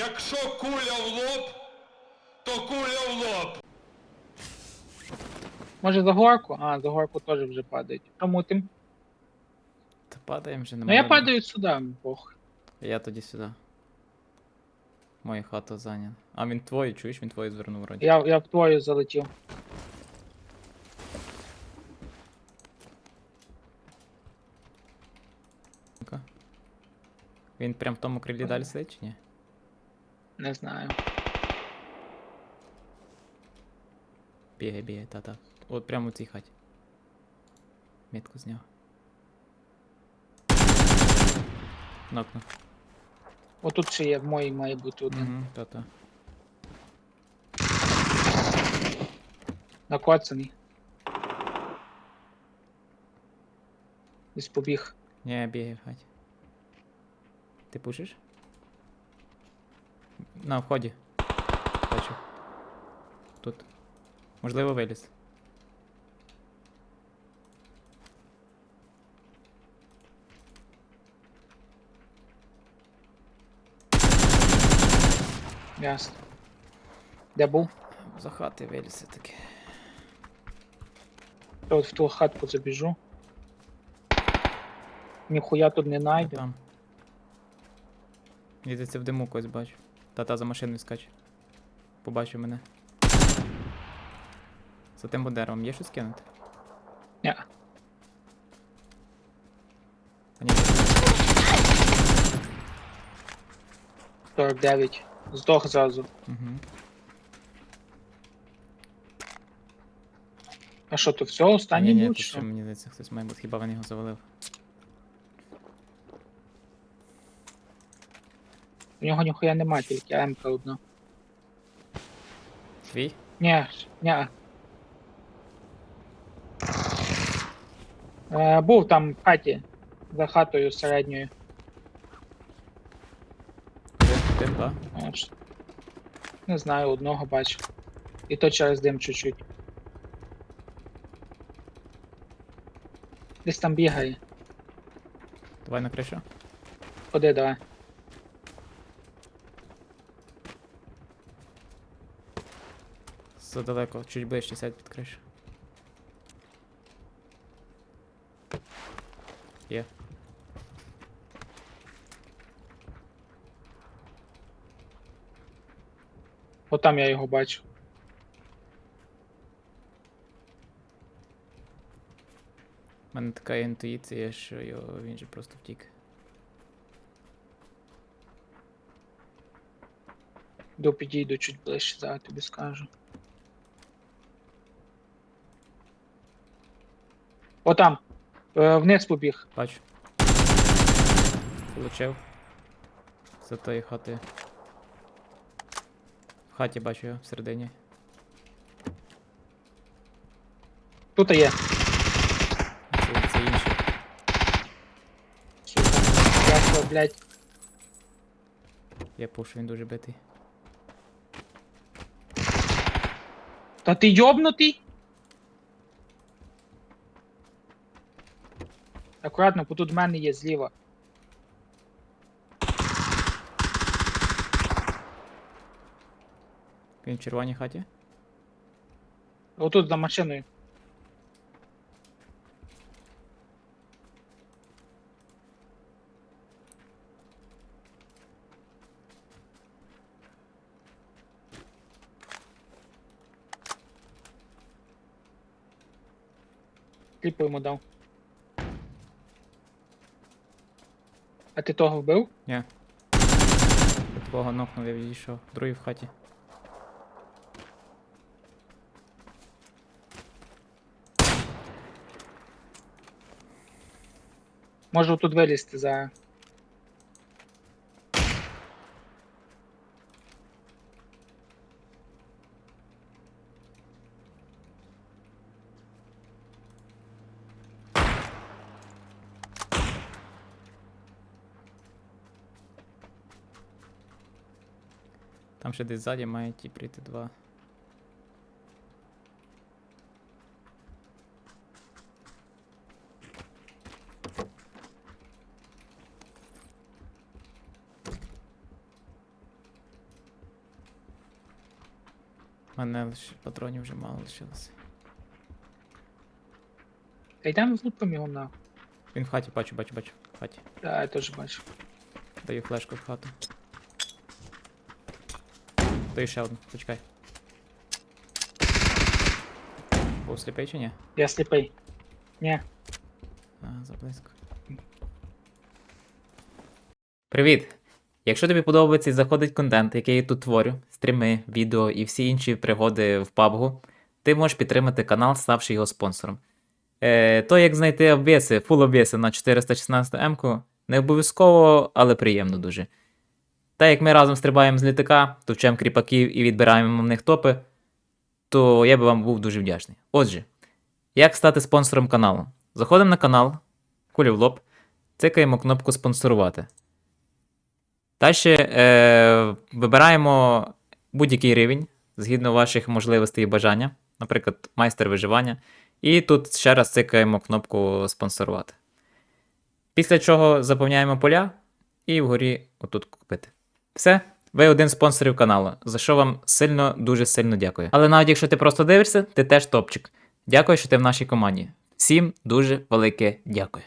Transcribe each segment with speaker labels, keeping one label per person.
Speaker 1: Якщо куля в лоб, то куля в лоб.
Speaker 2: Може за горку? А, за горку теж вже падають. Тому тим.
Speaker 3: Та падаємо вже,
Speaker 2: Ну
Speaker 3: нема
Speaker 2: я
Speaker 3: вибору.
Speaker 2: падаю сюди, похуй.
Speaker 3: Я тоді сюди. Моя хата зайняла. А він твою, чуєш? Він твою звернув вроді.
Speaker 2: Я в твою залетів.
Speaker 3: Ну-ка. Він прям в тому крилі далі сидить чи ні?
Speaker 2: Не знаю.
Speaker 3: Бігай, бігай, та-та. От прямо у цій хаті. Мітку зняв. Нокнув.
Speaker 2: Отут ще є, в моїй має бути один.
Speaker 3: Угу, та-та.
Speaker 2: Накоцаний. Десь побіг.
Speaker 3: Ні, бігай в хаті. Ти пушиш? На вході. Бачу. Тут. Можливо, виліз.
Speaker 2: Ясно. Де був?
Speaker 3: За хати виліз все-таки.
Speaker 2: Я от в ту хатку забіжу. Ніхуя тут не найду.
Speaker 3: Там. Їдеться в диму когось бачу. Та-та за машиною скаче. Побачив мене. За тим деревом є щось кинути?
Speaker 2: Ні.
Speaker 3: А ні.
Speaker 2: 49. Здох зразу.
Speaker 3: Угу.
Speaker 2: А що, то все? Останній
Speaker 3: Ні,
Speaker 2: був?
Speaker 3: тут
Speaker 2: чи
Speaker 3: ще
Speaker 2: що?
Speaker 3: мені здається хтось має бути. Хіба він його завалив?
Speaker 2: У нього ніхуя нема, тільки АМК одна.
Speaker 3: Твій?
Speaker 2: Ні, ні. Був там в хаті. За хатою середньою.
Speaker 3: Один, два.
Speaker 2: Аж. Не знаю, одного бачу. І то через дим чуть-чуть. Десь там бігає.
Speaker 3: Давай на кришу.
Speaker 2: Ходи, давай.
Speaker 3: Задалеко, чуть ближче сядь під кришу. Є.
Speaker 2: Отам я його бачу.
Speaker 3: У мене така інтуїція, що він же просто втік.
Speaker 2: Підійду чуть ближче, зараз тобі скажу. Отам. Вниз побіг.
Speaker 3: Бачу. Получив. За тої хати. В хаті бачу його всередині.
Speaker 2: Тут є.
Speaker 3: Це інший.
Speaker 2: Сука. Ясно, блядь.
Speaker 3: Я пушу, він дуже битий.
Speaker 2: Та ти йобнутий? Акуратно, бо тут в мене є зліва.
Speaker 3: Він в червоній хаті.
Speaker 2: Отут за машиною. Кліпу йому дав. А ти того вбив?
Speaker 3: Ні. Я твого нокнув, я відійшов. Другий в хаті.
Speaker 2: Можу тут вилізти за.
Speaker 3: Там ще десь ззаді має ті прийти два. мене лише патронів вже мало лишилося.
Speaker 2: Та йдемо влупимо його на.
Speaker 3: Він в хаті, бачу. В хаті.
Speaker 2: Та, я теж бачу.
Speaker 3: Даю флешку в хату. Даю ще одну, почекай. Був сліпий чи ні?
Speaker 2: Я сліпий. Ні.
Speaker 3: А, заблизько. Привіт! Якщо тобі подобається і заходить контент, який я тут творю, стріми, відео і всі інші пригоди в PUBG, ти можеш підтримати канал, ставши його спонсором. То, як знайти обвіси, фул обвіси на 416М, не обов'язково, але приємно дуже. Та як ми разом стрибаємо з літака, товчемо кріпаків і відбираємо в них топи, то я би вам був дуже вдячний. Отже, як стати спонсором каналу? Заходимо на канал, кулі в лоб, цикаємо кнопку спонсорувати. Далі вибираємо будь-який рівень, згідно ваших можливостей і бажання, наприклад, майстер виживання. І тут ще раз цикаємо кнопку спонсорувати. Після чого заповняємо поля і вгорі отут купити. Все, ви один з спонсорів каналу, за що вам сильно, дуже сильно дякую. Але навіть якщо ти просто дивишся, ти теж топчик. Дякую, що ти в нашій команді. Всім дуже велике дякую.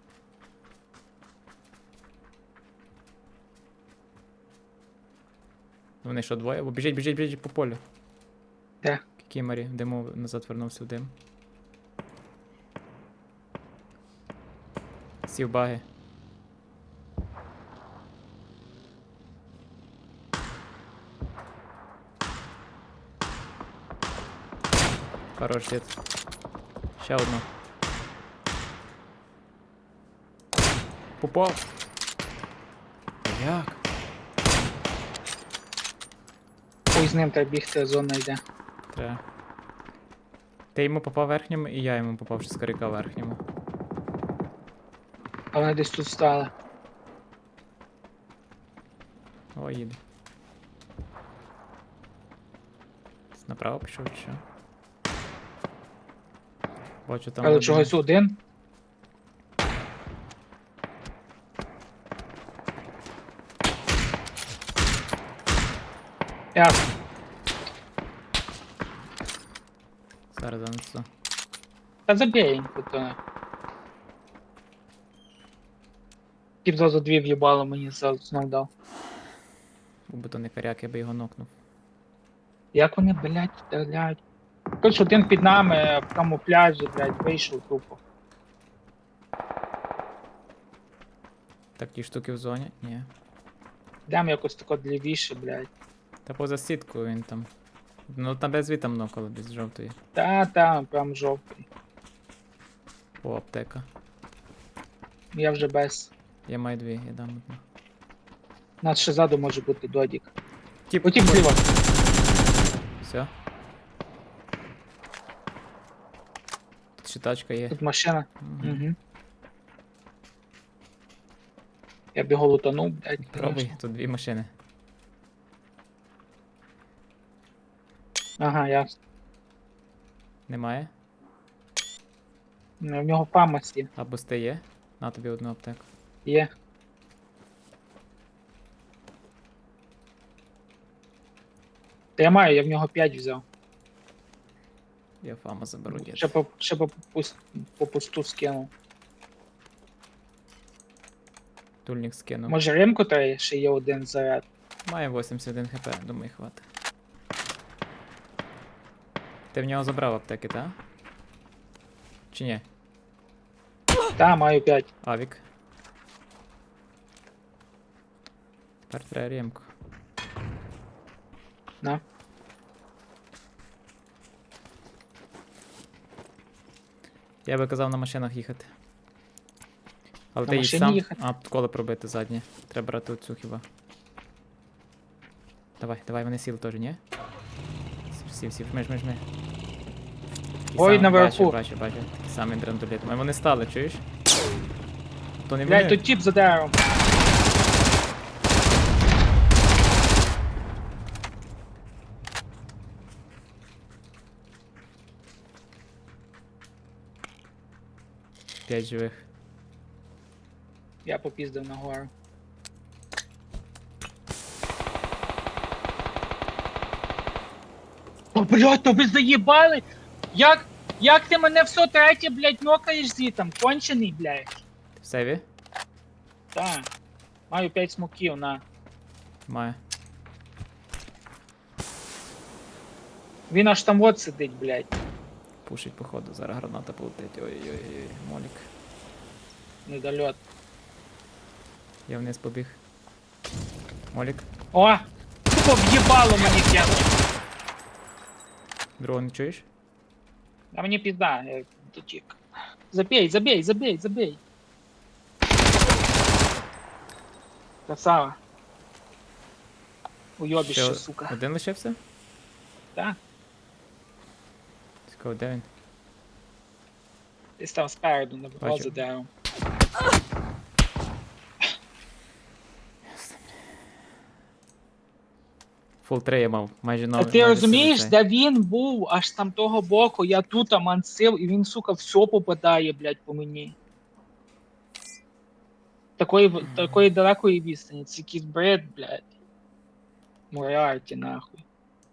Speaker 3: Вони що, двоє? Бо біжить по полю.
Speaker 2: Де?
Speaker 3: Кікімарі, диму назад вернувся в дим. Сів баги. Хорош, дід. Ще одну. Попав. Як?
Speaker 2: Ой, з ним треба бігти, зона йде.
Speaker 3: Треба. Ти йому попав верхньому, і я йому попав з коряка верхньому.
Speaker 2: А вони десь тут стали.
Speaker 3: О, їде. Направо пішов чи що? Бачу там.
Speaker 2: Але
Speaker 3: один.
Speaker 2: чогось один. Я.
Speaker 3: Зараз занесу.
Speaker 2: Та забій їм тут. Тіп зразу дві в'їбало мені знов дав.
Speaker 3: Був би то не коряк, я би його нокнув.
Speaker 2: Як вони, блядь, стріляють? Хоч один під нами в камуфляжі, блядь, вийшов тупо.
Speaker 3: Так, ті штуки в зоні? Ні.
Speaker 2: Дам якось тако лівіше, блядь.
Speaker 3: Та поза сіткою він там. Ну там без там нокало, без жовтої.
Speaker 2: Та, прям жовтий.
Speaker 3: О, аптека.
Speaker 2: Я вже без.
Speaker 3: Я маю дві, я дам одну.
Speaker 2: Нас ще ззаду може бути додік.
Speaker 3: Тіп,
Speaker 2: Потім зліва.
Speaker 3: Все. Тут ще тачка є.
Speaker 2: Тут машина.
Speaker 3: Мгм.
Speaker 2: Угу. Я б його лутанув, блядь.
Speaker 3: Пробуй, тут дві машини.
Speaker 2: Ага, ясно.
Speaker 3: Немає?
Speaker 2: Ну, в нього фамас є.
Speaker 3: А бусти є? На тобі одну аптеку.
Speaker 2: Є. Та я маю, я в нього 5 взяв.
Speaker 3: Я фама заберу, дід.
Speaker 2: Ще по пусту скинув.
Speaker 3: Тульник скинув.
Speaker 2: Може римку треба, ще є один заряд.
Speaker 3: Має 81 хп, думаю, хватить. Ти в нього забрав аптеки, так? Чи ні?
Speaker 2: Та, маю 5.
Speaker 3: Авік. Тепер треба ремку.
Speaker 2: На.
Speaker 3: Я би казав на машинах їхати. Але
Speaker 2: На
Speaker 3: ти їдь
Speaker 2: машині
Speaker 3: сам.
Speaker 2: їхати?
Speaker 3: А, коло пробити заднє. Треба брати оцю хіба. Давай, вони сіли теж, ні? Сів, жми. Такий
Speaker 2: Ой,
Speaker 3: сам-
Speaker 2: наверху.
Speaker 3: Бачу. Такий самий драндулет. А вони стали, чуєш? То не
Speaker 2: Блядь,
Speaker 3: вони.
Speaker 2: тут тіп за деревом.
Speaker 3: П'ять живих.
Speaker 2: Я попіздив нагору. О, блядь, то ви заїбали? Як ти мене все третє, блядь, нокаєш звітом? Кончений, блядь.
Speaker 3: Ти в сейві?
Speaker 2: Так. Маю 5 смоків, на.
Speaker 3: Маю.
Speaker 2: Він аж там от сидить, блядь.
Speaker 3: Пушить, походу, зараз граната полетить. Ой-ой-ой, молік.
Speaker 2: Недольот.
Speaker 3: Я вниз побіг. Молік.
Speaker 2: О! Тупо в'їбало мені п'яно.
Speaker 3: Другого не чуєш?
Speaker 2: А мені пізда, я дотік. Забей, забей, забей, забей. Красава. Уйобіще, сука.
Speaker 3: Один лишився?
Speaker 2: Так?
Speaker 3: Цікаво, де він?
Speaker 2: Десь там спереду, на
Speaker 3: Бачу.
Speaker 2: за деревом.
Speaker 3: Фул 3 я мав, майже
Speaker 2: А
Speaker 3: новий.
Speaker 2: ти розумієш, де він був аж там того боку, я тут мансив, і він, сука, все попадає, блядь, по мені. Такої далекої відстані, це якийсь бред, блядь. Моріарті, нахуй.